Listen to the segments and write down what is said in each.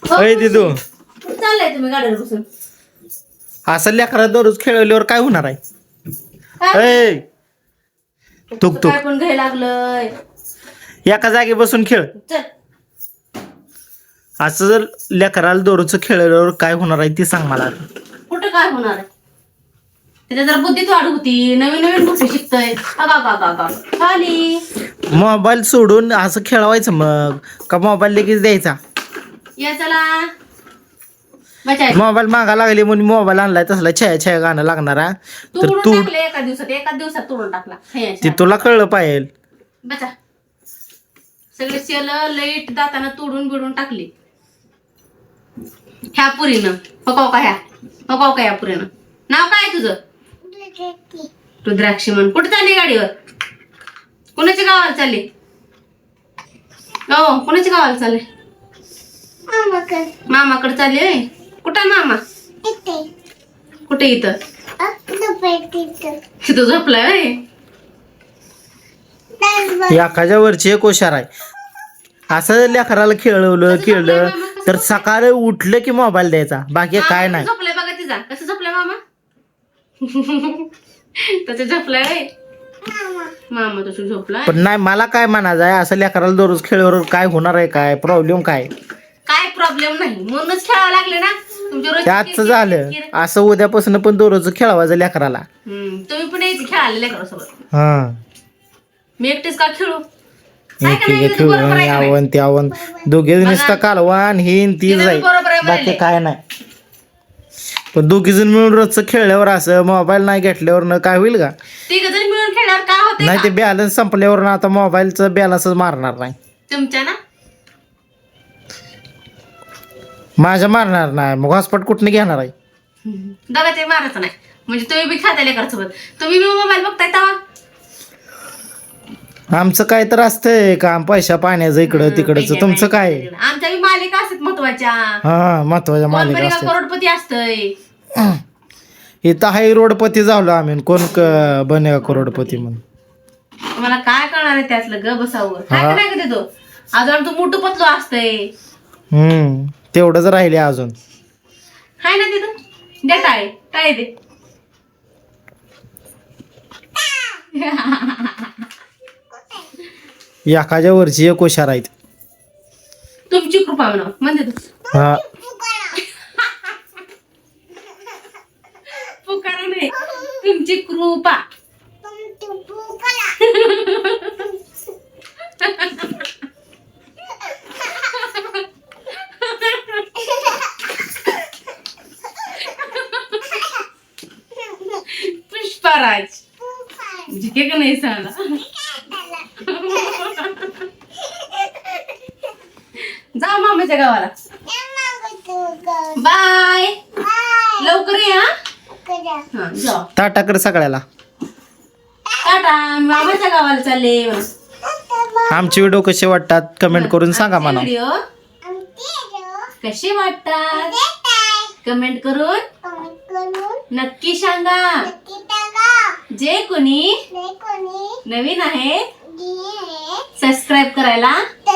अय दिदू, कुठं चाललाय तुम्ही गाडीवर बसून? असं लेकरा दररोज खेळवल्यावर काय होणार आहे? काय ऐ तुक तुक काय पण घ्यायला लागलंय. एका जागी बसून खेळ. चल असं जर लेकराला दररोज खेळवल्यावर काय होणार आहे ती सांग मला. कुठं काय होणार आहे? त्याच्या जरा बुद्धीत वाढ होती, नवीन नवीन गोष्टी शिकतोय. खाली मोबाईल सोडून असं खेळवायचं मग का मोबाईल लगेच द्यायचा? या चला बचाय. मोबाईल मागा लागली म्हणून मोबाईल आणलाय तसला छाया छाया गाणं लागणारा तर तोडून तू टाकले एका दिवसात तोडून टाकला. हे ती तुला कळलं पाहिजे. बचा सगळे सेल लाईट दाताना तोडून बिडून टाकली ह्या पुरीनं. पकाव का ह्या पुरीनं? नाव काय तुझं? रुद्राक्षी म्हण. कुठे चालली गाडीवर? कोणाच्या गावाला चालली? हो कोणाच्या गावाला चालले? मामाकडे चालली होय. कुठं मामा? कुठे? इथं तिथं झोपलाय होय. एखाद्या वरची एक हुशार आहे. असं लेकराला खेळलं तर सकाळी उठलं की मोबाईल द्यायचा, बाकी काय नाही. झोपलाय बघा तिचा. कसं झोपलाय मामा? तसं झोपलाय होय. मामा तसं झोपलाय. पण नाही, मला काय म्हणायचं आहे, असं लेकराला दररोज खेळल्यावर काय होणार आहे? काय प्रॉब्लेम काय? काय प्रॉब्लेम नाही म्हणूनच खेळायला लागले ना तुमच्या रोज. त्याच झालं असं उद्यापासून पण दररोज खेळवायचं लेकराला. तुम्ही पण यायची खेळायला लेकरासोबत. हा मी एकटेच का खेळू? खेळून यावं त्यावं दोघे नुसतं कालवान हिन ती जाईल, बाकी काय नाही. पण दोघी जण मिळून रोजचं खेळल्यावर असं मोबाईल नाही घेतल्यावर न काय होईल का? तिघ जण मिळून खेळल्यावर काय होते? नाही ते बॅलन्स संपल्यावर ना आता मोबाईलचं बॅलन्सच मारणार नाही. तुमच्या ना माझ्या मारणार नाही, मग हॉस्पॉट कुठनं घेणार आहे? बघा ते मारायचं नाही म्हणजे तुम्ही बी खेळता लेकरासोबत. तुम्ही बी मोबाईल बघताय तेव्हा. आमचं काय तर असतंय काम पैशा पाण्याचं इकडं तिकडचं. तुमचं काय? आमच्या बी मालिका असतात महत्वाच्या. हा महत्वाच्या मालिका कोण असतात. करोडपती असतंय. इथं हाय रोडपती झालो आम्ही, कोण बने करोडपती म्हणून. मला काय करणार आहे त्यातलं? ग बसावं काय नाही का देतो. अजून तू मोठं पतलो असतंय. तेवढंच राहिले अजून. हाय ना तिथं. दे टाळे दे. एखाद्या वरची एक हुशार आहेत. तुमची कृपा म्हणा म्हणते तू. हा पुकारा नाही, तुमची कृपा. पुष्पराज जिके का नाही सांगा. जा मामाच्या गावाला. बाय. लवकर या. हा जा. ताटाकडे सगळ्याला. टाटा. मामाच्या गावाला चालले. आमचे व्हिडिओ कसे वाटतात कमेंट करून सांगा मला. व्हिडिओ कसे वाटतात कमेंट करून नक्की सांगा. जे कोणी नवीन आहे सबस्क्राईब करायला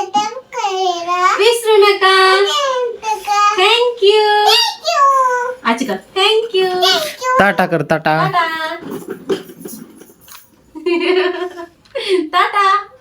विसरू नका. थँक्यू. आचिका थँक्यू. टाटा कर टाटा. टाटा. टाटा.